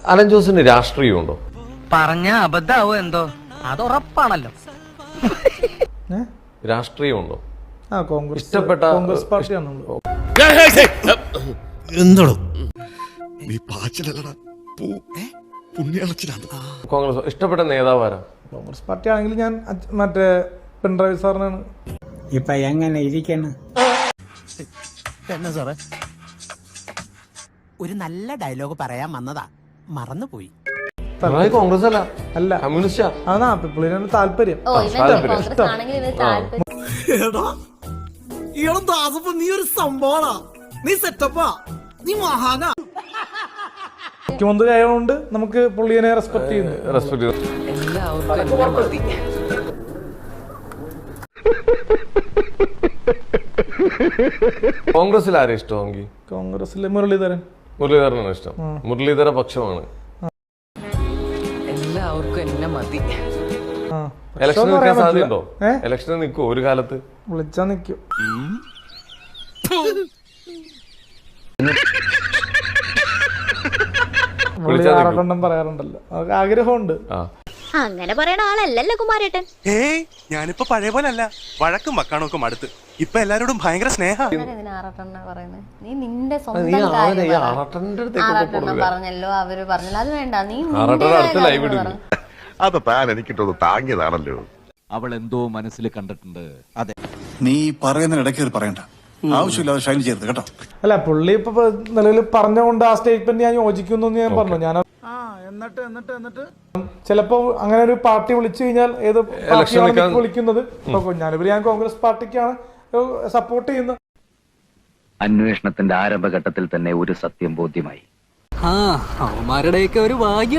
Allen ജോസിന് രാഷ്ട്രീയമുണ്ടോ? പറഞ്ഞ അബദ്ധാവോ എന്തോ, അത് ഉറപ്പാണല്ലോ. രാഷ്ട്രീയമുണ്ടോ? കോൺഗ്രസ് ഇഷ്ടപ്പെട്ട കോൺഗ്രസ് പാർട്ടിയാണ്. എന്തോ നീ പാച്ചിലല്ലടാ പുണ്യാളച്ചിലാണ്. കോൺഗ്രസ് ഇഷ്ടപ്പെട്ട നേതാവാരാ? കോൺഗ്രസ് പാർട്ടി ആണെങ്കിൽ ഞാൻ മറ്റേ പിണറായി സാറിനാണ്. ഇപ്പൊ എങ്ങനെ ഇരിക്കണം? എന്നാ സാറേ, ഒരു നല്ല ഡയലോഗ് പറയാൻ വന്നതാ, മറന്നുപോയി. കോൺഗ്രസ് അല്ല, അല്ല കമ്മ്യൂണിസ്റ്റാ. അതാ പുള്ളിനാണ് താല്പര്യം. നീ ഒരു സംഭവമാ, നീ സെറ്റപ്പാ, നീ മഹാനാ. മുഖ്യമന്ത്രി ആയതുകൊണ്ട് നമുക്ക് പുള്ളിയെ റെസ്പെക്ട് ചെയ്യുന്നു. കോൺഗ്രസിൽ ആരെ ഇഷ്ടമെങ്കിൽ? കോൺഗ്രസിലെ മുരളീധരൻ. മുരളീധരനാണ് ഇഷ്ടം. മുരളീധര പക്ഷമാണ്. എല്ലാവർക്കും എന്നെ മതി. ഇലക്ഷന് നിൽക്കാൻ സാധ്യതയുണ്ടോ? ഇലക്ഷന് നിൽക്കുമോ ഒരു കാലത്ത്? വിളിച്ചാ നിക്കും. പറയാറുണ്ടല്ലോ, ആഗ്രഹമുണ്ട്. അങ്ങനെ പറയണ ആളല്ലല്ലോ കുമാരേട്ടൻ. ഞാനിപ്പോ പഴയ പോലെ അല്ല, വഴക്കും മക്കാണൊക്കെ അടുത്ത്. ഇപ്പൊ എല്ലാരോടും ഭയങ്കര സ്നേഹം. നീ നിന്റെ പറഞ്ഞല്ലോ, അവര് പറഞ്ഞല്ലോ, അത് വേണ്ട. നീ അത് താൻ എനിക്കിട്ടൊന്ന് താങ്ങിയതാണല്ലോ. അവൾ എന്തോ മനസ്സിൽ കണ്ടിട്ടുണ്ട്. അതെ, നീ പറയുന്നതിനിടയ്ക്ക് പറയണ്ട, ആവശ്യമില്ലാതെ ഷൈൻ ചെയ്യരുത് കേട്ടോ. അല്ല, പുള്ളി ഇപ്പൊ നിലവിൽ പറഞ്ഞുകൊണ്ട് ആ സ്റ്റേറ്റ്മെന്റ് ഞാൻ യോജിക്കുന്നു എന്ന് ഞാൻ പറഞ്ഞു. ഞാൻ എന്നിട്ട് ചിലപ്പോ അങ്ങനെ ഒരു പാർട്ടി വിളിച്ചു കഴിഞ്ഞാൽ ഏത് പാർട്ടിയാണ് വിളിക്കുന്നത്? ഞാനിവര് ഞാൻ കോൺഗ്രസ് പാർട്ടിക്കാണ് സപ്പോർട്ട് ചെയ്യുന്നത്. അന്വേഷണത്തിന്റെ ആരംഭഘട്ടത്തിൽ തന്നെ ഒരു സത്യം ബോധ്യമായി. അവന്മാരുടെയൊക്കെ ഒരു ഭാഗ്യം.